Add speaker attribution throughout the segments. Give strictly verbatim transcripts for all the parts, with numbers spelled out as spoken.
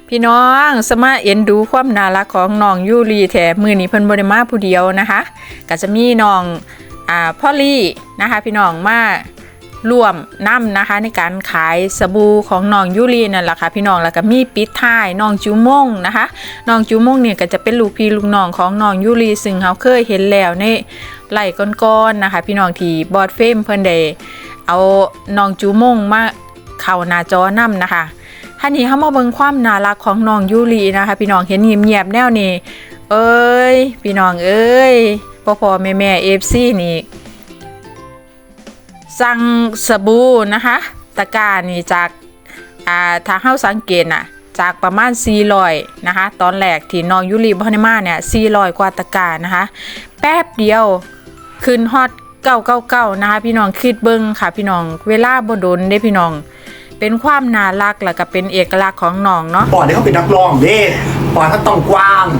Speaker 1: พี่น้องสมาเอ็นดูความน่ารักของน้องยูรีแถมือนี้เพิ่นบ่ได้มาผู้เดียวนะคะก็จะมีน้องอ่าพ่อลี่นะคะพี่น้องมาร่วมนำนะคะในการขายสบู่ของน้องยูรีนั่นแหละค่ะพี่น้องแล้วก็มีปิดท้ายน้องจูมงนะคะน้องจูมงเนี่ยก็จะเป็นลูกพี่ลูกน้องของน้องยูรีซึ่งเขาเคยเห็นแล้วในไล่ก้อนๆนะคะพี่น้องที่บอร์ดเฟมเพิ่นได้เอาน้องจูมงมาเข้าหน้าจอนำนะคะท่านี้เขามาเบิ่งความน่ารักของน้องยูรีนะคะพี่น้องเห็นเงียบๆแนวนี้เอ้ยพี่น้องเอ้ยพ่อพ่อแม่แม่เอฟซีนี่สั่งสบู่นะคะตะกร้านี่จากอ่าถ้าเฮาสังเกตน่ะจากประมาณสี่ร้อยนะคะตอนแรกที่น้องยูรีบ่ได้มาเนี่ยสี่ร้อยกว่าตะกร้านะคะแป๊บเดียวขึ้นฮอตเก้าเก้าเก้านะคะพี่น้องคิดเบิ่งค่ะพี่น้องเวลาบ่โดนเด้พี่น้องเป็นความน่ารักแล้วก็เป็นเอกลักษณ์ของน้องเนาะ
Speaker 2: ปอดนี่เขาเป็นนักร้องเด้ปอดถ้าต้องกว้าง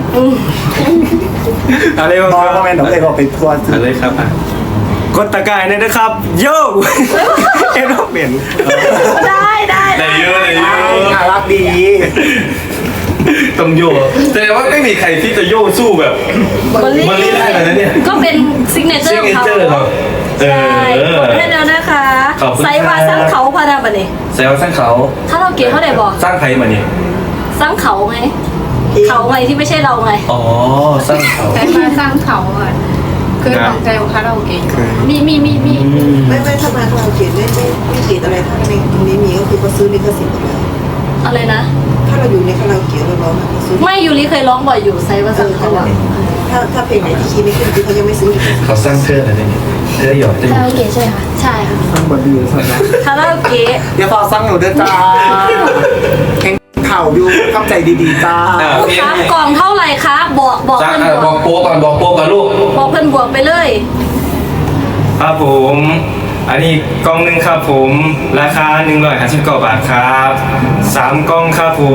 Speaker 3: อะไรบ้าง
Speaker 2: น้อย
Speaker 3: ค
Speaker 2: โม
Speaker 3: รับ
Speaker 2: เมนต์เราเลยบอกไปทัวร์
Speaker 3: อะไรครับกดตะกายเนี่ยนะครับโย่เอ็นต้องเปลี่ยน
Speaker 1: ได้ได้
Speaker 3: ได้เยอะได้เยอะ
Speaker 2: น่ารักดี
Speaker 3: ต้องโย่แสดงว่าไม่มีใครที่จะโย่สู้แบบมันลีได้เลยนะเนี่ย
Speaker 4: ก็เป็นซิกเนเจอร์ของเขา
Speaker 3: signature ครับเอ
Speaker 4: ใช่
Speaker 3: อก
Speaker 4: ดให้แล้วนะคะ
Speaker 3: ขอบคุณ
Speaker 4: ไซวาสร้างเขาพานาบันนี่
Speaker 3: แสดงว่าสร้างเขา
Speaker 4: ถ้าเราเก๋เขาได้บอก
Speaker 3: สร้างใครมาเนี่ย
Speaker 4: สร้างเขาไงเขาไงที่ไม่ใช่เราไง
Speaker 3: อ๋อสร้างเขา
Speaker 5: แต่มาสร้างเขาอ่ะคือของใจของคาราโอเกะ
Speaker 4: มีมีมีมี
Speaker 6: ไม่ไม่ถ้ามาคาราโอเกะไม่ไม่ไม่ติดอะไรถ้าในตรงนี้มีก็คือเขาซื้อลิขสิทธิ์หมดแล้ว
Speaker 4: อะไรนะ
Speaker 6: ถ้าเราอยู่ในคาราโอเกะเราร้องอะเขาซื้อ
Speaker 4: ไม่ยูริเคยร้องบ่อยอยู่ไซวาสร้างเขาอะ
Speaker 6: ถ้าถ้าเพลงไหนที่คีย์ไม่ขึ้นคือเขายังไม่ซื้อลิขสิทธิ์
Speaker 3: เขาสร้างเธออะไรเนี่ยเธอหยอดเต็ม
Speaker 4: คาราโอเกะใช่ค่ะใช่ค่ะ
Speaker 2: ตั้งบนดีสุดนะ
Speaker 4: คาราโอเกะ
Speaker 2: เดี๋ยวพอสั่งหนูด้วยจ้าแข่งข่าวอยู่เข้าใจดีๆจ้า
Speaker 4: ลูกค้ากล่องเท่าไหร่คะบอกบอก
Speaker 3: สร้าง
Speaker 4: เพื่อน
Speaker 3: บบ อ
Speaker 4: ว
Speaker 3: ก
Speaker 4: ก
Speaker 3: โป๊ก่อนบอกโป๊ก่อนลูก
Speaker 4: บอกเพื่อนบวกไปเลย
Speaker 7: ครับผมอันนี้กล่องหนึ่งครับผมราคาหนึ่งร้อยห้าสิบเก้าบาทครับสามกล่องครับผม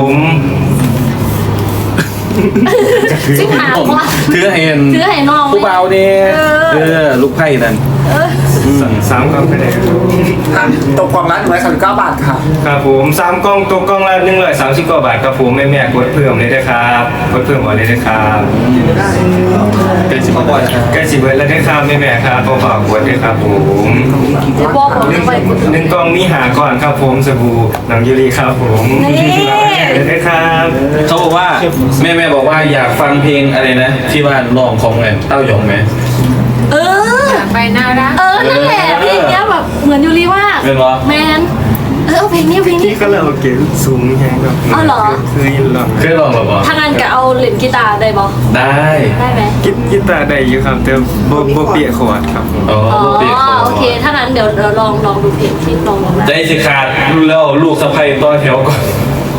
Speaker 4: สิบหาว่า
Speaker 3: ถือเห็น
Speaker 4: ถือให้น้อง
Speaker 3: ผู้เบาเนี่ยเออลูกไพ่นั่น
Speaker 7: สามกล่องไปเลยครับ
Speaker 2: ตกกล่องละหนึ่งร้อยสามสิบเก้าบาทค่ะ
Speaker 7: ครับผมสามกล่องตกกล่องละหนึ่งร้อยสามสิบเก้าบาทครับผมแม่แม่ๆกดเพิ่มเลยนะครับกดเพิ่มเอาเลยนะครับใกล้สิบเบิร์ดใกล้สิบเบิร์ดแล้วนะครับแม่แม่ๆครับเบาๆกดเลยครับผม
Speaker 4: เดี๋ยวบอกบอก
Speaker 7: หนึ่ง
Speaker 4: ไปกด
Speaker 7: หนึ่งกล่องมีหาก่อนครับผมสบู่น้ำยูรีครับผม
Speaker 4: นี่
Speaker 7: เลยนะครับ
Speaker 3: เขาบอกว่าแม่แม่บอกว่าอยากฟังเพลงอะไรนะ ที่ว่าร้องของอะไรเต้ายองไหม
Speaker 4: เออ
Speaker 5: ไปน่ารัก
Speaker 4: เออ นั่นแหละเพลงเนี้ยแบบเหมือนยูริมาก
Speaker 3: เป็นปะ
Speaker 4: แมน เออเอาเพลงนี้เพลงนี้
Speaker 7: ที่ก็เลยโอเคสูงแฮงครับ
Speaker 4: อ๋อเหรอ
Speaker 7: คือยินหรอ
Speaker 3: เคยร้องหรือเปล่า
Speaker 4: ถ้างั้นก็เอาเหรียญกีตาร์ได้บอ
Speaker 3: ได้
Speaker 4: ได้ไหม
Speaker 7: กินกีตาร์ได้อยู่ครับแต่บ่บ่เปียกขวดครับผม
Speaker 3: อ๋อ
Speaker 4: อ๋อ
Speaker 3: บ่เปลี่ยนคอ
Speaker 4: โอเค ถ้างั้นเดี๋ยวเราลองลองดูเพลงที่ลองลองนะ
Speaker 3: ใจสิขาดรู้แล้วลูกสะใภ้ต่อแถวก่อน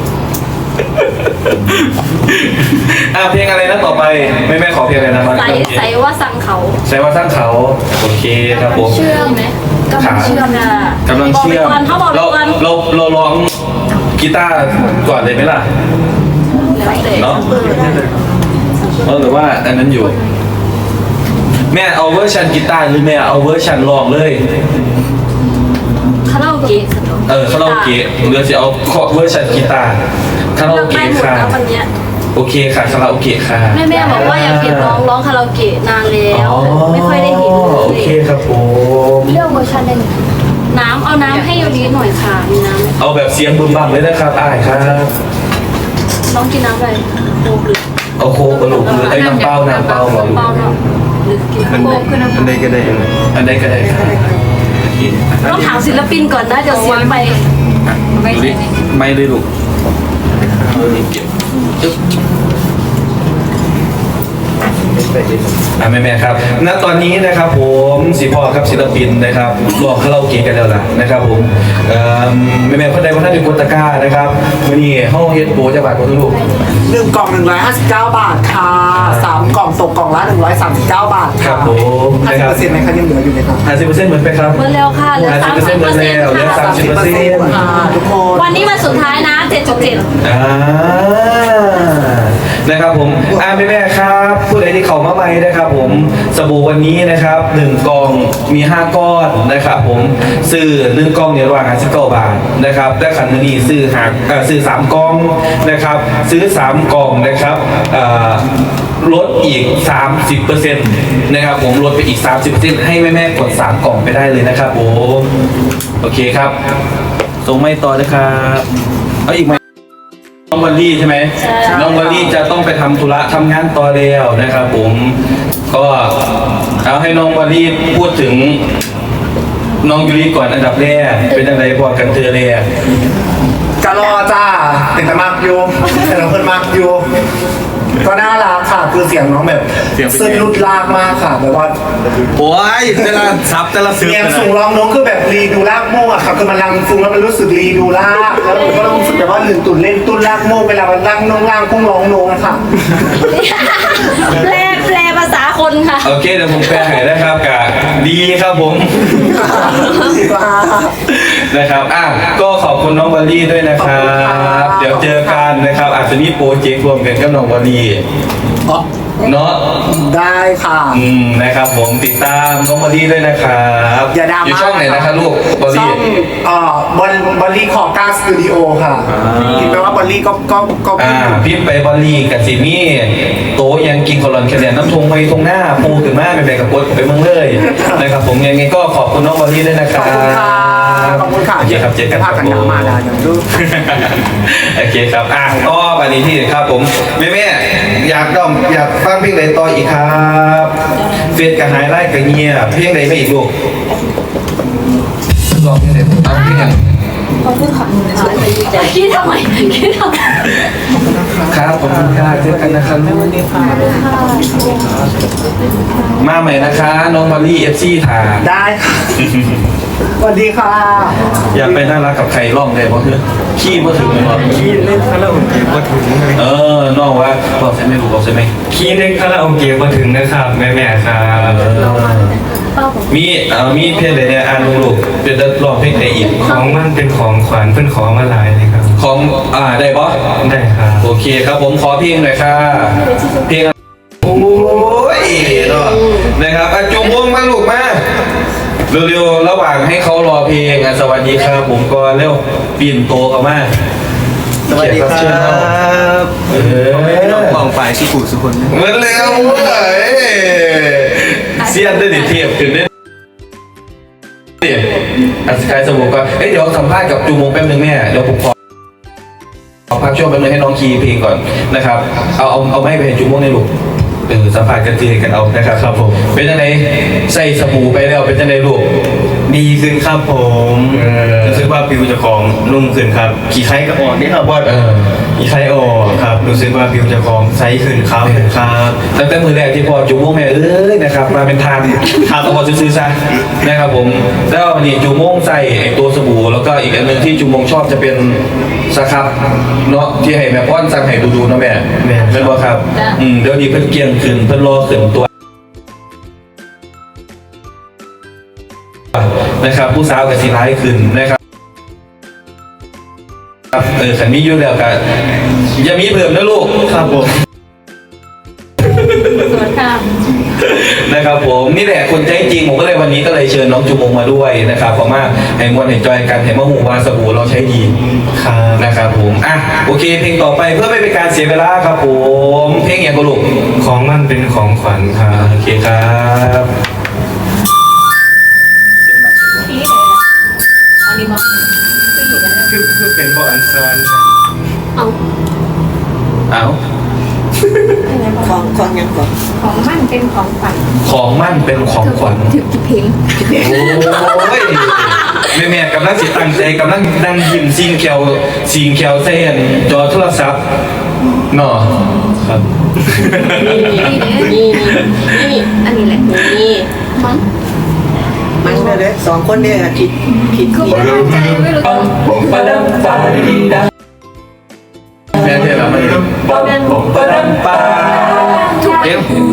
Speaker 3: อ่ะเพลงอะไรนะต่อไปแม่แม่ขอเพลงอะไรนะมา
Speaker 4: ใส่ใส่ว่าสั่งเขา
Speaker 3: ใส่ว่าสร้างเขาโอเคครับผม
Speaker 4: เชื่อมไหมกำลังเชื่อมนะ
Speaker 3: กำลังเชื่อม
Speaker 4: บอกไปก่อนเขาบอกไป
Speaker 3: เรา
Speaker 4: ก่อน
Speaker 3: เราเราร้องกีตาร์ก่อนเลยไหมล่ะ
Speaker 4: แล้วแต่
Speaker 3: เนาะเออหรือว่าอันนั้นอยู่ แม่เอาเวอร์ชันกีตาร์หรือแม่เอาเวอร์ชันร้องเลย
Speaker 4: คาราโอเกะ
Speaker 3: เออคาราโอเกะหรือจะเอาเวอร์ชันกีตาร์คาราโอเกะ
Speaker 4: หมด
Speaker 3: ค่ะ
Speaker 4: แล้ววันเนี้ย
Speaker 3: โอเคค่ะคาราโอเกะค่ะ
Speaker 4: แม่แม่บอกว่าอยากเห็นน้องร้องคาราโอเกะนานแล้วไม่ค่อยได้เห็นเลย
Speaker 3: โอเคครับผม
Speaker 4: เรื่องเวอร์ชันได้ไหมน้ำเอาน้ำให้ยูริหน่อยค่ะมีน้ำไหม
Speaker 3: เอาแบบเสียงบึมบั่มเลยนะครับอ้ายครับ
Speaker 4: น้องกินน้ำอะไรโค้กหรือ
Speaker 3: เอาโค้กกระดูกหรือไอ้น้ำเปล่าน้ำเปล่าบอก
Speaker 4: เปล่าเนาะหรือกิน
Speaker 7: อัน
Speaker 4: โค้
Speaker 7: ใด
Speaker 4: กคือน้ำ
Speaker 7: อันใดก็ได้เลย
Speaker 3: อันใดก็ได้ครับ
Speaker 4: ต้องถามศิลปินก่อนนะเดี๋ยวเสียงไป
Speaker 5: ไม่ใช่นี่
Speaker 3: ไม่เลยลูกจึ๊บอ่ะแม่แม่ๆครับณตอนนี้นะครับผมสิพ่อครับศิลปินนะครับรวมคาราโอเกะกันแล้วล่ะนะครับผมเอ่อแม่แม่ๆคนใดคนนั้นเป็นคนตะกร้านะครับวันนี้ห้องเฮ็ดโปรจะบาทคนลูก
Speaker 2: หนึ่งกล่องหนึ่งร้อยห้าสิบเก้าบาทค่ะสามกล่องตกกล่องละหนึ่งร้อยสามสิบเก้าบาท
Speaker 3: ครั
Speaker 2: ค่ะ
Speaker 3: บผม
Speaker 2: ห้าสิบเปอร์เซ็นต์ไหมคะยังเหลืออยู่ไหมคะ
Speaker 3: ห้าสิบเปอร์เซ็นต์เหมือนไปครับ
Speaker 4: เมื่อแล้วค่ะเหลือ
Speaker 3: ห้า
Speaker 4: สาม
Speaker 3: สิบเปอร์เซ็นต์
Speaker 4: สิบ
Speaker 3: หม
Speaker 4: เปอ
Speaker 3: ด
Speaker 4: ร์เซ็น
Speaker 3: แล้ว
Speaker 4: ต์
Speaker 3: เหลือสาม
Speaker 4: ค่ะ
Speaker 3: สิบเปอร์เซ็นต์
Speaker 2: ค่ะทุกคน
Speaker 4: วันนี้วันสุดท้ายนะเจ็ดจุดเจ็ด
Speaker 3: อ่านะครับผมอ่าแม่แม่ๆครับผู้ใดที่เข้ามาใหม่นะครับผมสบู่วันนี้นะครับหนึ่งกล่องมีห้าก้อนนะครับผมซื้อหนึ่งกล่องเนี่ยระหว่างห้าสิบเก้าบาทนะครับแต่ขันนี้ซื้อหาเอ่อซื้อสามกล่องนะครับซื้อสามกล่องนะครับอ่าลดอีก สามสิบเปอร์เซ็นต์ นะครับผมลดไปอีก สามสิบเปอร์เซ็นต์ ให้แม่ๆกดสามกล่องไปได้เลยนะครับผมโอเคครับส่งไม่ต่อเลยครับเอาอีกไหมน้องวอลลี่ใช่ไหมน้องวอลลี่จะต้องไปทำธุระทำงานต่อแล้วนะครับผมก็เอาให้น้องวอลลี่พูดถึงน้องยูริก่อนอันดับแรกเป็นยังไงพอกันเธอเลย
Speaker 2: กะรอจ้าเป็นแต่มากอยู่แต่เราเพิ่นมากอยู่ก็น่ารักค่ะคือเสียงน้องแบบซึ้งลุดลากมากค่ะแบบว่า
Speaker 3: โอ้ยแต่ละซับแต่ละซื้อ
Speaker 2: เสียงสูงร้องน้องคือแบบรีดูลากโม่อะค่ะคือมันรังฟุ้งแล้วมันรู้สึกรีดูลากแล้วหนูก็รู้สึกแบบว่าหนึ่งตุ่นเล่นตุ่นลากโม่เวลามันลั่งน้องล่างพุ่งร้องน้องอะค่ะ
Speaker 4: แปลแปลภาษาคนค่ะ
Speaker 3: โอเคเดี๋ยวผมแปลให้นะครับกะดีครับผมนะครับอ่ะก็ขอบคุณน้องวอลลี่ด้วยนะครับ เดี๋ยวเจอกันนะครับอาจจะมีโปรเจกต์รวมกันกับน้องวอลลี่เนาะ
Speaker 2: ได้ค่ะ
Speaker 3: อืมนะครับผมติดตามน้องวอลลี่ด้วยนะครับ
Speaker 2: อย่าดราม่า
Speaker 3: อยู่ช่องไหนนะครับลูกวอล
Speaker 2: ช่อ
Speaker 3: ลี่
Speaker 2: งเอ่อบอลบอลลี่คอก้าสตูดิโอค่ะคิดไปว่าบอลลี่ก็ก็ก็
Speaker 3: อ่าพิมพ์ไปบอลลี่กับซิมี่โตะยังกินคอลอนแคเรียนน้ำทงไปทงหน้าปูขึ้นมาไปไปกับกดไปเมืองเลยนะครับผมยังไงก็ขอบคุณน้องวอลลี่ด้วยนะค
Speaker 2: ข
Speaker 3: รั
Speaker 2: อ
Speaker 3: บบ
Speaker 2: คุณค่ะขอบคุณค่ะ
Speaker 3: โอเคครับเจอกันค
Speaker 2: ภา
Speaker 3: รั
Speaker 2: พ
Speaker 3: บ
Speaker 2: กัน
Speaker 3: ผ
Speaker 2: หนาม มาดาอย่างดู
Speaker 3: โอเคครับอ่ะก็วันนี้ที่ครับผมแม่แม่อยากต้องอยากฟังเพลงไหนต่ออีกครับเฟซกับหายไล่กับเงียบเพลงไหนไม่อีกลูกลองเพลงไหนเอาเพลงไหน
Speaker 4: คิดทำไมคิดทำไม
Speaker 3: ครับขอบคุณค่ะเจอกันนะครับมาใหม่นะคะน้องมารี่เอฟซีถาม
Speaker 2: ได้ค่ะสวัสดีค่ะ
Speaker 3: อยากไปน่ารักกับใครร้องได้เพราะคือขี้มาถึงเลยเนาะ
Speaker 7: ขี้เล่นคาราโอเกะมาถึงเลย
Speaker 3: เออน้องว่าบอกใช่ไหมลูกบอกใช่ไหม
Speaker 7: ขี้เล่นคาราโอเกะมาถึงนะครับแม่แม่ๆครับ
Speaker 3: มีเอ่อมีเพลงไหนเนี่ยอ่านลูกๆเป็นจะร้องเพลงไหนอีก
Speaker 7: ของมันเป็นของขวัญเพิ่นขอมาหลายเลยครับ
Speaker 3: ของอ่าได้ปะ
Speaker 7: ได้ครับ
Speaker 3: โอเคครับผมขอเพลงหน่อยค่ะเพลงโอ้ยเนาะนะครับอ่ะจุงวงมาลูกมาเร็วๆระหว่างให้เขารอเพลงอ่ะสวัสดีครับผมก็เร็วปีนโตเข้ามา
Speaker 7: สวัสดีครับ
Speaker 3: เออ
Speaker 7: น้องกองฝ่ายที่ผูกสุคน
Speaker 3: เหมือนเร็วเลยเสียนได้ดิเทียบขึ้นได้ดิอ่ะสกายสมุกก็เอ้ยเดี๋ยวสัมภาษณ์กับจูมงแป๊บนึงแม่เดี๋ยวผมขอขอพักช่วงแป๊บนึงให้น้องคีย์เพลงก่อนนะครับเอาเอาเอาไม่ไปให้จูมงในลูกเออสัมภาษณ์กันทีกันเอานะครับครับผมเป็นยังไงใส่สบู่ไปแล้วเป็นยังไงลูก
Speaker 7: ดีขึ้นครับผม
Speaker 3: เออ
Speaker 7: รู้สึกว่าผิวเจะของนุ่มขึ้นครับขี้ไข้ก็อ่อนนี่ครับว่า
Speaker 3: เออ
Speaker 7: ขี้ไข้อ่อนครับรู้สึกว่าผิวเจะของใสขึ้นขาวขึ้นครับ
Speaker 3: ตั้งแต่มือแรกที่พอจูโม่งแม่เอ้ยนะครับมาเป็นทานทานต้องพอซื้อๆซะนะครับผมแล้ววันนี้จูโม่งใส่ไอ้ตัวสบู่แล้วก็อีกอันหนึงที่จูโม่งชอบจะเป็นสครับเนาะที่ให้แม่ป้อนสั่งให้ดูๆเนาะแม่แม่เป็นบ่ครับอืมเดี๋ยวนี้เพิ่นเกรียงขึ้นเพิ่นรอขึ้นตัวนะครับผู้สาวกับสีร้ายขึ้นนะครับเออขันมีอยู่แล้วกันอย่ามีเพิ่มนะลูกครับผม
Speaker 4: สวัสดีค่ะ
Speaker 3: นะครับผมนี่แหละคนใจจริงผมก็เลยวันนี้ก็เลยเชิญน้องจูมงมาด้วยนะครับเพราะว่าให้มวลเห็นจอยกันเห็นว่าหมู่วาสบู่เราใช้ดี
Speaker 7: ครับ
Speaker 3: นะครับผมอ่ะโอเคเพลงต่อไปเพื่อไม่เป็นการเสียเวลาครับผมเพลงอย่างกระลุก
Speaker 7: ของมันเป็นของขวัญครับ
Speaker 3: โอเคครับ
Speaker 4: พี่ไหนล่ะอันนี้มาพี่เห็นแล้ว
Speaker 7: คือคือเป็นบออันซอน
Speaker 4: เอา
Speaker 3: เอา
Speaker 6: ของของยังก่อน
Speaker 5: ของมั่นเป็นของฝัน
Speaker 3: ของมั่นเป็นของขวัญ
Speaker 5: ถึงกี่เพลง
Speaker 3: โอ้ยแม่แม่ๆกำลังสิตั้งใจกำลังนั่งยิ้มซิงแควซิงแควเส้นจอโทรศัพท์เนาะครับ
Speaker 4: นี่นี่นี่อันนี้แหละนี่มั้ง
Speaker 6: มันเลยเลยสองคนเนี่ยผิดผิด
Speaker 5: คือ
Speaker 6: ผิด
Speaker 5: ไม่มั่นใจไม่รู้ตัว
Speaker 3: ปะดังปาดีดังแม่เทแล้วมันปะดังปะดังปาเอ๊ะ